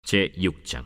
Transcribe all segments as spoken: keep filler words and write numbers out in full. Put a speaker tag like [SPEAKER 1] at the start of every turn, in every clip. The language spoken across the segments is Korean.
[SPEAKER 1] 제육 장.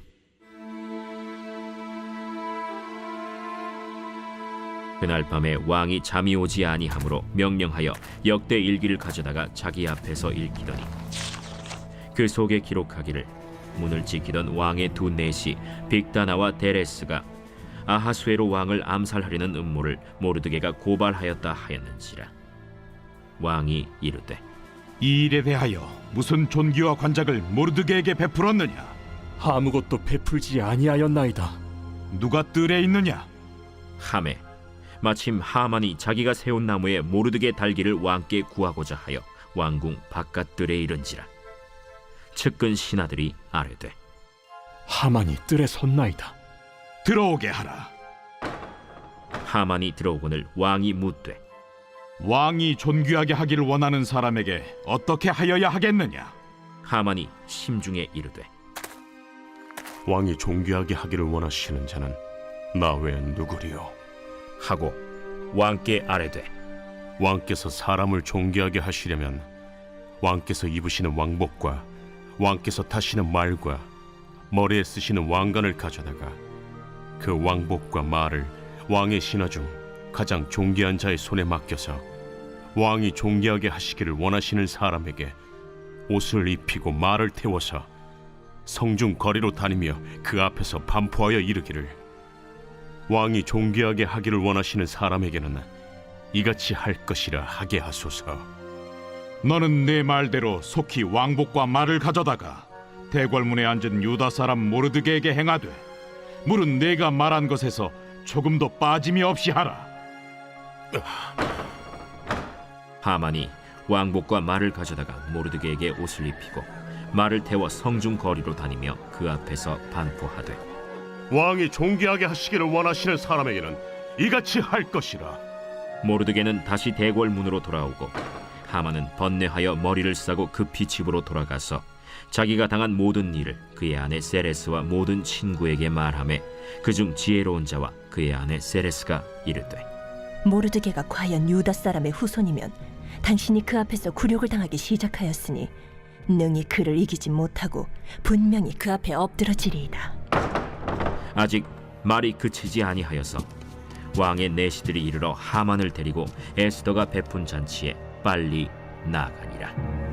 [SPEAKER 1] 그날 밤에 왕이 잠이 오지 아니하므로 명령하여 역대 일기를 가져다가 자기 앞에서 읽히더니 그 속에 기록하기를 문을 지키던 왕의 두 내시 빅다나와 데레스가 아하수에로 왕을 암살하려는 음모를 모르드게가 고발하였다 하였는지라. 왕이 이르되
[SPEAKER 2] 이 일에 대하여 무슨 존귀와 관작을 모르드게에게 베풀었느냐?
[SPEAKER 3] 아무것도 베풀지 아니하였나이다.
[SPEAKER 2] 누가 뜰에 있느냐?
[SPEAKER 1] 하매 마침 하만이 자기가 세운 나무에 모르드게 달기를 왕께 구하고자 하여 왕궁 바깥들에 이른지라. 측근 신하들이 아뢰되
[SPEAKER 3] 하만이 뜰에 섰나이다.
[SPEAKER 2] 들어오게 하라.
[SPEAKER 1] 하만이 들어오거늘 왕이 묻되
[SPEAKER 2] 왕이 존귀하게 하기를 원하는 사람에게 어떻게 하여야 하겠느냐?
[SPEAKER 1] 하만이 심중에 이르되
[SPEAKER 4] 왕이 존귀하게 하기를 원하시는 자는 나 외엔 누구리요?
[SPEAKER 1] 하고 왕께 아뢰되
[SPEAKER 4] 왕께서 사람을 존귀하게 하시려면 왕께서 입으시는 왕복과 왕께서 타시는 말과 머리에 쓰시는 왕관을 가져다가 그 왕복과 말을 왕의 신하 중 가장 존귀한 자의 손에 맡겨서 왕이 존귀하게 하시기를 원하시는 사람에게 옷을 입히고 말을 태워서 성중 거리로 다니며 그 앞에서 반포하여 이르기를 왕이 존귀하게 하기를 원하시는 사람에게는 이같이 할 것이라 하게 하소서.
[SPEAKER 2] 너는 내 말대로 속히 왕복과 말을 가져다가 대궐문에 앉은 유다 사람 모르드게에게 행하되 물은 내가 말한 것에서 조금도 빠짐이 없이 하라.
[SPEAKER 1] 하만이 왕복과 말을 가져다가 모르드게에게 옷을 입히고 말을 태워 성중 거리로 다니며 그 앞에서 반포하되
[SPEAKER 4] 왕이 존귀하게 하시기를 원하시는 사람에게는 이같이 할 것이라.
[SPEAKER 1] 모르드게는 다시 대궐 문으로 돌아오고 하만은 번뇌하여 머리를 싸고 급히 집으로 돌아가서 자기가 당한 모든 일을 그의 아내 세레스와 모든 친구에게 말하매 그중 지혜로운 자와 그의 아내 세레스가 이르되
[SPEAKER 5] 모르드게가 과연 유다 사람의 후손이면 당신이 그 앞에서 굴욕을 당하기 시작하였으니 능히 그를 이기지 못하고 분명히 그 앞에 엎드러지리이다.
[SPEAKER 1] 아직 말이 그치지 아니하여서 왕의 내시들이 이르러 하만을 데리고 에스더가 베푼 잔치에 빨리 나아가니라.